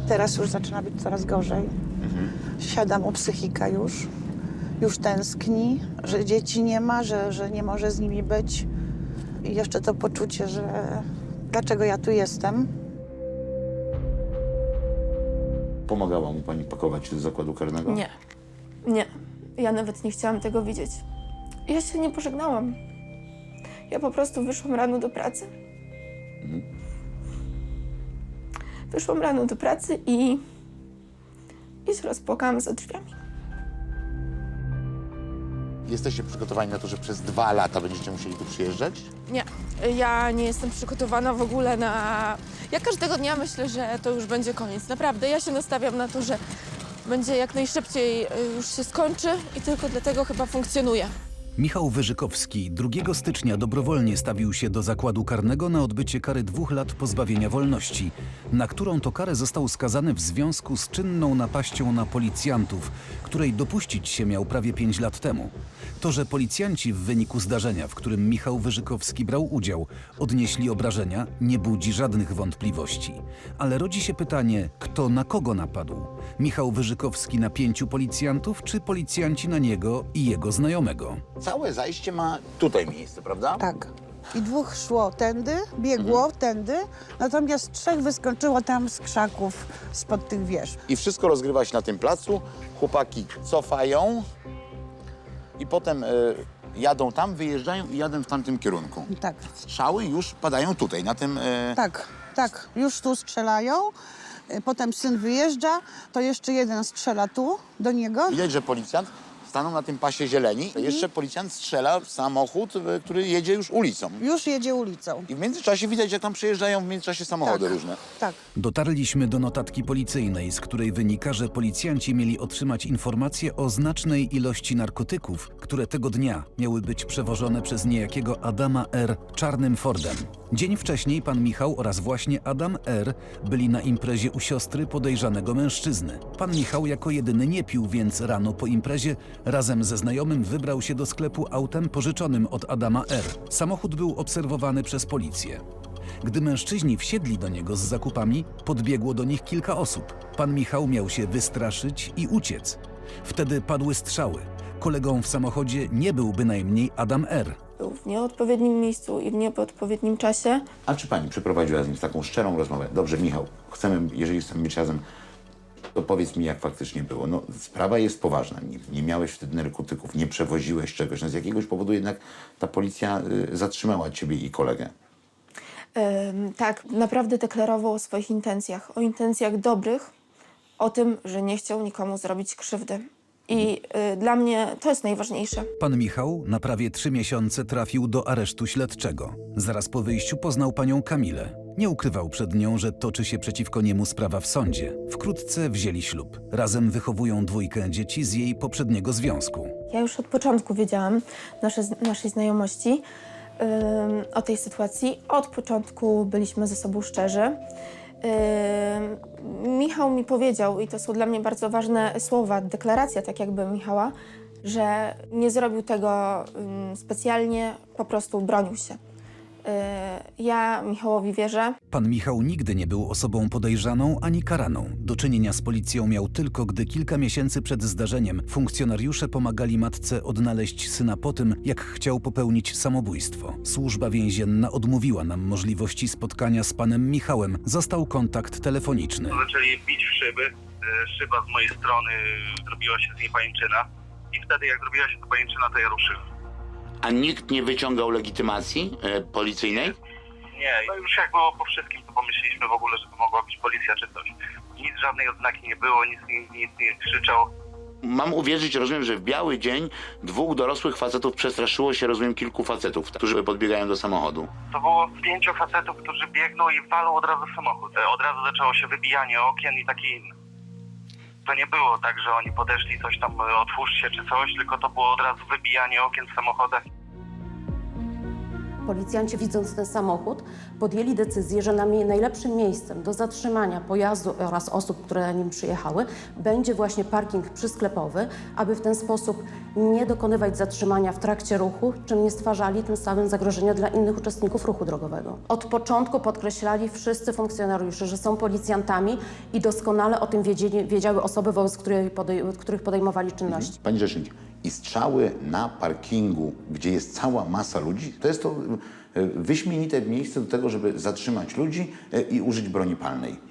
Teraz już zaczyna być coraz gorzej. Siada mu psychika już. Już tęskni, że dzieci nie ma, że nie może z nimi być. I jeszcze to poczucie, że dlaczego ja tu jestem. Pomagała mu pani pakować się do zakładu karnego? Nie, nie. Ja nawet nie chciałam tego widzieć. Ja się nie pożegnałam. Ja po prostu wyszłam rano do pracy. Wyszłam rano do pracy i się rozpłakałam za drzwiami. Jesteście przygotowani na to, że przez 2 lata będziecie musieli tu przyjeżdżać? Nie, ja nie jestem przygotowana w ogóle na... Ja każdego dnia myślę, że to już będzie koniec. Naprawdę, ja się nastawiam na to, że będzie jak najszybciej już się skończy i tylko dlatego chyba funkcjonuje. Michał Wyżykowski 2 stycznia dobrowolnie stawił się do zakładu karnego na odbycie kary 2 lat pozbawienia wolności, na którą to karę został skazany w związku z czynną napaścią na policjantów, której dopuścić się miał prawie 5 lat temu. To, że policjanci w wyniku zdarzenia, w którym Michał Wyżykowski brał udział, odnieśli obrażenia, nie budzi żadnych wątpliwości. Ale rodzi się pytanie, kto na kogo napadł? Michał Wyżykowski na 5 policjantów, czy policjanci na niego i jego znajomego? Całe zajście ma tutaj miejsce, prawda? Tak. I 2 szło tędy, biegło tędy, natomiast 3 wyskoczyło tam z krzaków spod tych wież. I wszystko rozgrywa się na tym placu. Chłopaki cofają i potem jadą tam, wyjeżdżają i jadą w tamtym kierunku. Tak, Strzały już padają tutaj, na tym... tak, już tu strzelają. Potem syn wyjeżdża, to jeszcze jeden strzela tu do niego. Widać, że policjant stanął na tym pasie zieleni. Jeszcze policjant strzela w samochód, który jedzie już ulicą. Już jedzie ulicą. I w międzyczasie widać, jak tam przejeżdżają w międzyczasie samochody różne. Tak. Dotarliśmy do notatki policyjnej, z której wynika, że policjanci mieli otrzymać informację o znacznej ilości narkotyków, które tego dnia miały być przewożone przez niejakiego Adama R. czarnym Fordem. Dzień wcześniej pan Michał oraz właśnie Adam R. byli na imprezie u siostry podejrzanego mężczyzny. Pan Michał jako jedyny nie pił, więc rano po imprezie razem ze znajomym wybrał się do sklepu autem pożyczonym od Adama R. Samochód był obserwowany przez policję. Gdy mężczyźni wsiedli do niego z zakupami, podbiegło do nich kilka osób. Pan Michał miał się wystraszyć i uciec. Wtedy padły strzały. Kolegą w samochodzie nie był bynajmniej Adam R. Był w nieodpowiednim miejscu i w nieodpowiednim czasie. A czy pani przeprowadziła z nim taką szczerą rozmowę? Dobrze, Michał, chcemy, jeżeli chcemy być razem, to powiedz mi, jak faktycznie było. No, sprawa jest poważna. Nie miałeś wtedy narkotyków, nie przewoziłeś czegoś. No, z jakiegoś powodu jednak ta policja zatrzymała ciebie i kolegę. Tak, naprawdę deklarował o swoich intencjach. O intencjach dobrych, o tym, że nie chciał nikomu zrobić krzywdy. I dla mnie to jest najważniejsze. Pan Michał na prawie 3 miesiące trafił do aresztu śledczego. Zaraz po wyjściu poznał panią Kamilę. Nie ukrywał przed nią, że toczy się przeciwko niemu sprawa w sądzie. Wkrótce wzięli ślub. Razem wychowują 2 dzieci z jej poprzedniego związku. Ja już od początku wiedziałam naszej znajomości o tej sytuacji. Od początku byliśmy ze sobą szczerzy. Michał mi powiedział, i to są dla mnie bardzo ważne słowa, deklaracja tak jakby Michała, że nie zrobił tego specjalnie, po prostu bronił się. Ja Michałowi wierzę. Pan Michał nigdy nie był osobą podejrzaną ani karaną. Do czynienia z policją miał tylko, gdy kilka miesięcy przed zdarzeniem funkcjonariusze pomagali matce odnaleźć syna po tym, jak chciał popełnić samobójstwo. Służba więzienna odmówiła nam możliwości spotkania z panem Michałem. Został kontakt telefoniczny. Zaczęli bić w szyby. Szyba z mojej strony, zrobiła się z niej pajęczyna. I wtedy, jak zrobiła się ta pajęczyna, to ja ruszyłem. A nikt nie wyciągał legitymacji policyjnej? Nie, no już jak było po wszystkim, to pomyśleliśmy w ogóle, że to mogła być policja czy coś. Nic, żadnej odznaki nie było, nic nie krzyczał. Mam uwierzyć, rozumiem, że w biały dzień 2 dorosłych facetów przestraszyło się, rozumiem, kilku facetów, którzy podbiegają do samochodu. To było 5 facetów, którzy biegną i walą od razu samochód. Od razu zaczęło się wybijanie okien i takie inne. To nie było tak, że oni podeszli, coś tam otwórzcie czy coś, tylko to było od razu wybijanie okien w samochodach. policjanci, widząc ten samochód, podjęli decyzję, że najlepszym miejscem do zatrzymania pojazdu oraz osób, które na nim przyjechały, będzie właśnie parking przysklepowy, aby w ten sposób nie dokonywać zatrzymania w trakcie ruchu, czym nie stwarzali tym samym zagrożenia dla innych uczestników ruchu drogowego. Od początku podkreślali wszyscy funkcjonariusze, że są policjantami i doskonale o tym wiedziały osoby, wobec których podejmowali czynności. Pani rzecznik, i strzały na parkingu, gdzie jest cała masa ludzi, to jest to wyśmienite miejsce do tego, żeby zatrzymać ludzi i użyć broni palnej.